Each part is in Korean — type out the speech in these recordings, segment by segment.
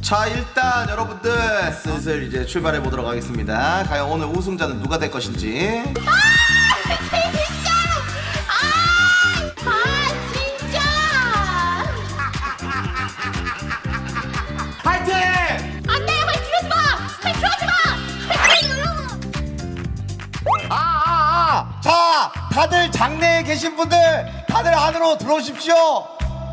자, 일단 여러분들 슬슬 이제 출발해 보도록 하겠습니다. 과연 오늘 우승자는 누가 될 것인지. 진짜! 진짜! 파이팅! 안 돼! 빨리 들어오지 마! 빨리 들어오지 마! 빨리 들어오지 자, 다들 장내에 계신 분들 다들 안으로 들어오십시오.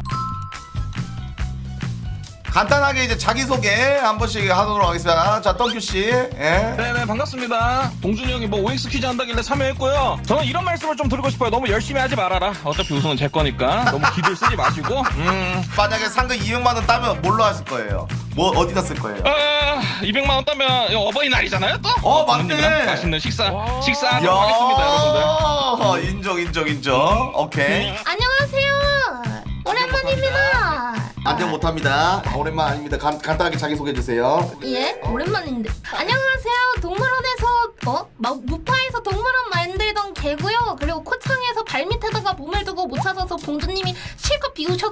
간단하게 이제 자기소개 한 번씩 하도록 하겠습니다. 자, 덩큐씨. 예. 네네, 반갑습니다. 동준이 형이 뭐 OX 퀴즈 한다길래 참여했고요. 저는 이런 말씀을 좀 드리고 싶어요. 너무 열심히 하지 말아라. 어차피 우승은 제 거니까 너무 기들 쓰지 마시고. 만약에 상금 200만원 따면 뭘로 하실 거예요? 뭐 어디다 쓸 거예요? 200만 원 따면 이거 어버이날이잖아요 또. 맞네. 부모님이랑 맛있는 식사하도록 하겠습니다, 여러분들. 인정. 오케이. 안녕하세요. 오랜만입니다. 안녕 못합니다. 오랜만 아닙니다. 간단하게 자기소개해 주세요. 예? 오랜만인데. 안녕하세요. 동물원에서 무파에서 동물원 만들던 개고요. 그리고 코창에서 발밑에다가 몸을 두고 못 찾아서 봉주님이 실컷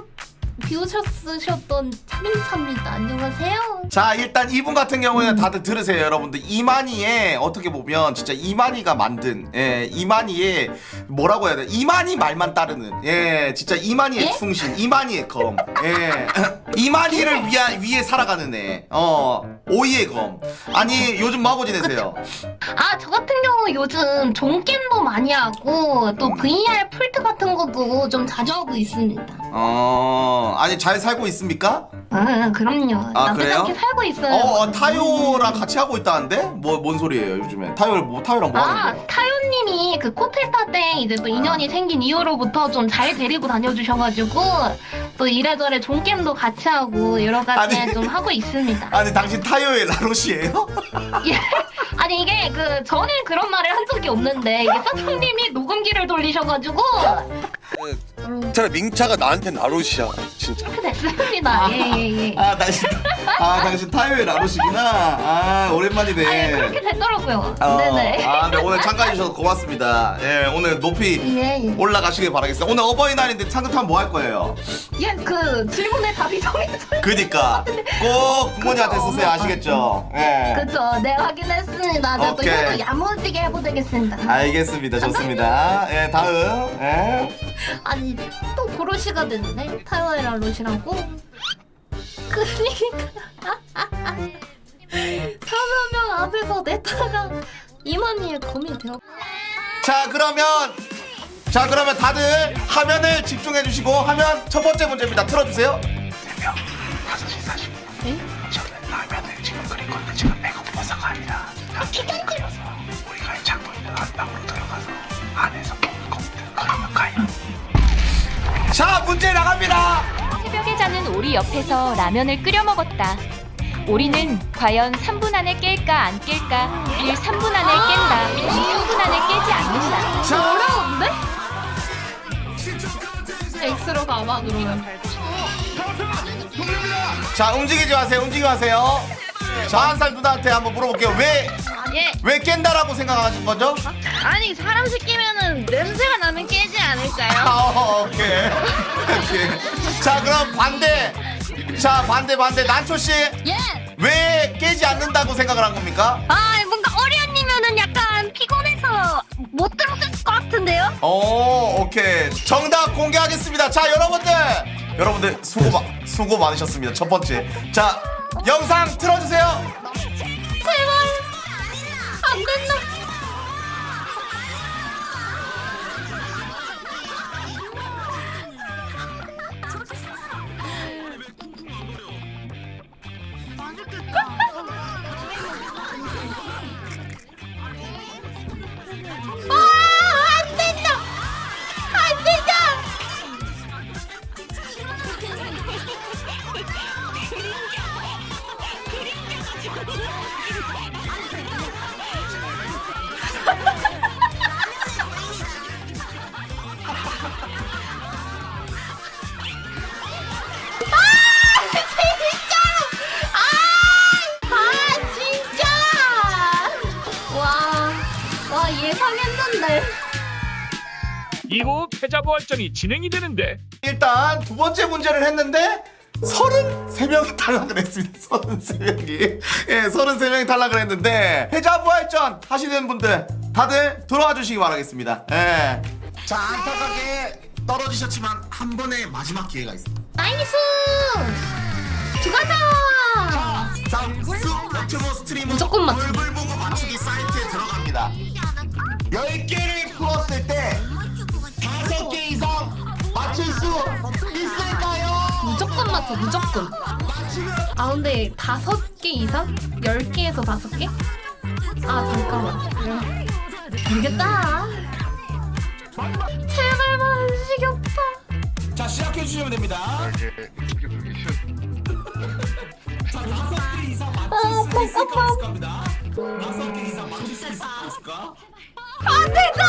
비우셨던 차민차입니다. 안녕하세요. 자, 일단 이분 같은 경우에는 다들 들으세요, 여러분들. 이만희의 어떻게 보면 진짜 이만희가 만든 이만희의 뭐라고 해야 돼? 이만희 말만 따르는 진짜 이만희의 예? 충신, 이만희의 검. 이만희를 위해 살아가는 애. 오이의 검. 아니, 요즘 뭐 하고 지내세요? 저 같은 경우 요즘 종게임도 많이 하고 또 VR 풀트 같은 것도 좀 자주 하고 있습니다. 아니, 잘 살고 있습니까? 그럼요. 나쁘지 그래요? 않게 살고 있어요. 타요랑 같이 하고 있다는데? 뭔 소리예요, 요즘에? 타요랑 뭐 하는 거예요? 타요님이 그 코테타 때 이제 또 인연이 생긴 이후로부터 좀 잘 데리고 다녀주셔가지고 또 이래저래 종게임도 같이 하고 여러 가지 아니. 좀 하고 있습니다. 아니, 당신 타요의 라롯이에요? 예. 아니 이게 저는 그런 말을 한 적이 없는데 이게 사장님이 녹음기를 돌리셔가지고 차라리 민차가 나한테 나롯이야 진짜. 그렇게 됐습니다. 예. 당신 타요의 라롯이구나. 오랜만이네. 아니 그렇게 됐더라고요. 네네. 네, 오늘 참가해주셔서 고맙습니다. 오늘 높이 예. 올라가시길 바라겠습니다. 오늘 어버이날인데 상급하면 뭐 할 거예요? 예, 그 질문에 답이 정해져. 그니까 꼭 부모님한테 쓰세요. 아시겠죠? 그쵸, 네 확인했습니다. 저 또 오케이. 이거 야무지게 해보되겠습니다. 알겠습니다. 좋습니다. 다음. 아니 또 도로시가 됐네. 타요에라 로시라고. 그러니까 3여 명 앞에서 내타가 이만희의 검이 되었. 자, 그러면 다들 화면을 집중해 주시고 화면 첫 번째 문제입니다. 틀어주세요. 4명 5시 40분. 에? 저는 라면을 지금 끓인 건데 지금 배고파서가 아니라 라면을 끓여서 우리가 찾고 있는 안방으로 들어가서 안에서 먹을 겁니다. 그러면 가요. 자, 문제 나갑니다. 새벽에 자는 오리 옆에서 라면을 끓여 먹었다. 오리는 과연 3분 안에 깰까 안 깰까? 1. 3분 안에 깬다. 2. 3분 안에 깨지 않는다. 자, 어려운데? X로 가봐 그러면. 자, 움직이지 마세요. 자, 41살 누나한테 한번 물어볼게요. 왜 깬다라고 생각하신 거죠? 아니 사람 시키면은 냄새가 나면 깨지 않을까요? 오케이. 자, 그럼 반대. 난초 씨. 예. 왜 깨지 않는다고 생각을 한 겁니까? 뭔가 어련이면은 약간 피곤해서 못 들었을 것 같은데요? 오케이. 정답 공개하겠습니다. 자, 여러분들 수고 많으셨습니다. 첫 번째. 자, 영상 틀어주세요. 제발 안 된다. 안 된다. 안 된다. 진짜! 와, 예상했는데. 이후 패자부활전이 진행이 되는데 일단 두 번째 문제를 했는데 33명이 탈락을 했습니다. 33명이. 예, 33명이 탈락을 했는데 패자부활전 하시는 분들 다들 들어와 주시기 바라겠습니다. 예. 자, 안타깝게 떨어지셨지만 한 번의 마지막 기회가 있습니다. 나이스! 들어가자! 자, 유튜브 스트리머 무조건 맞춰. 얼굴 보고 맞추기 사이트에 들어갑니다. 10개를 풀었을 때 5개 이상 맞출 수 있을까요? 무조건 맞춰, 무조건. 아, 근데 5개 이상? 10개에서 5개? 아, 잠깐만. 모르겠다. 제발 만식이 오빠. 자, 시작해 주시면 됩니다. 자, 5개 이상 맞출 수 있을까 없을까입니다. 5개 이상 맞출 수 있을까 없을까? 안 된다!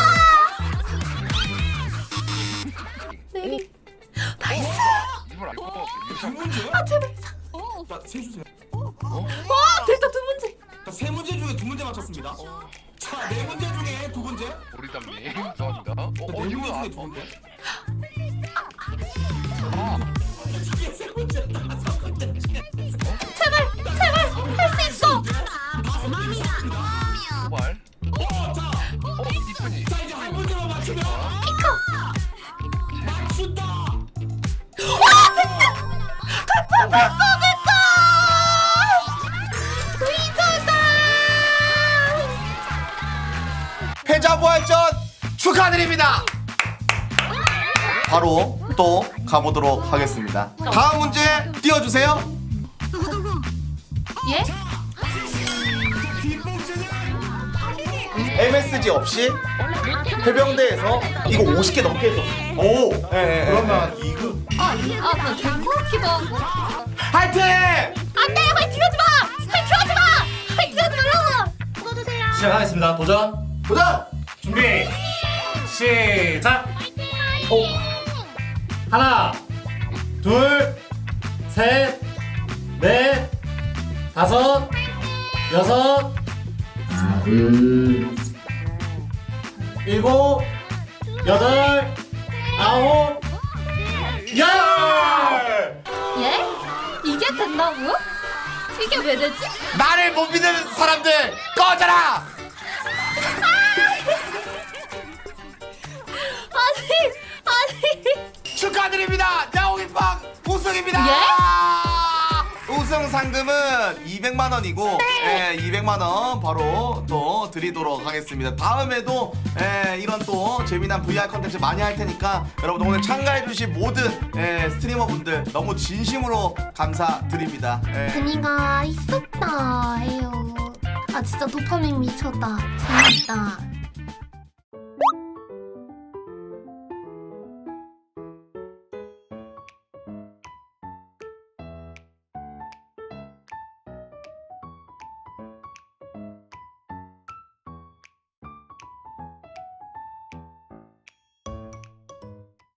네. 나이스! 두 문제? 아, 제발. 자, 세 주세요. 와, 됐다, 2문제. 자, 세 문제 중에 2문제 맞췄습니다. 자, 4문제 중에 2문제. 오리담님 감사합니다. 네 문제 이거 중에 2문제. 이게 세 문제, 5문제 중에. 제발, 제발, 할 수 있어! 도발. 자, 이쁜이. 자, 이제 한 문제만 맞추면 피커! 맞춘다. 와, 됐다! 됐다! 의자다! 패자부활전 축하드립니다. 바로 또 가보도록 하겠습니다. 다음 문제 띄워주세요. 예? MSG 없이 해병대에서 이거 50개 넘게 했어. 오. 그러면 2급. 아, 나 될 것 같기도 하고. 화이팅! 안 돼! 화이팅 하지 마! 화이팅 하지 마! 화이팅 하지 말라고! 써주세요. 시작하겠습니다. 도전. 도전! 준비. 시작. 오. 하나, 둘, 셋, 넷, 다섯, 여섯, 일곱, 여덟, 아홉, 열. 예? 이게 된다고요? 이게 왜 되지? 나를 못 믿는 사람들 꺼져라! 아니. 축하드립니다. 야옹이빵 우승입니다. 우승 상금은 200만 원이고, 예, 200만 원 바로 또 드리도록 하겠습니다. 다음에도 이런 또 재미난 VR 컨텐츠 많이 할 테니까 여러분 오늘 참가해주신 모든 스트리머분들 너무 진심으로 감사드립니다. 재미가 있었다 해요. 아, 진짜 도파민 미쳤다. 재밌다.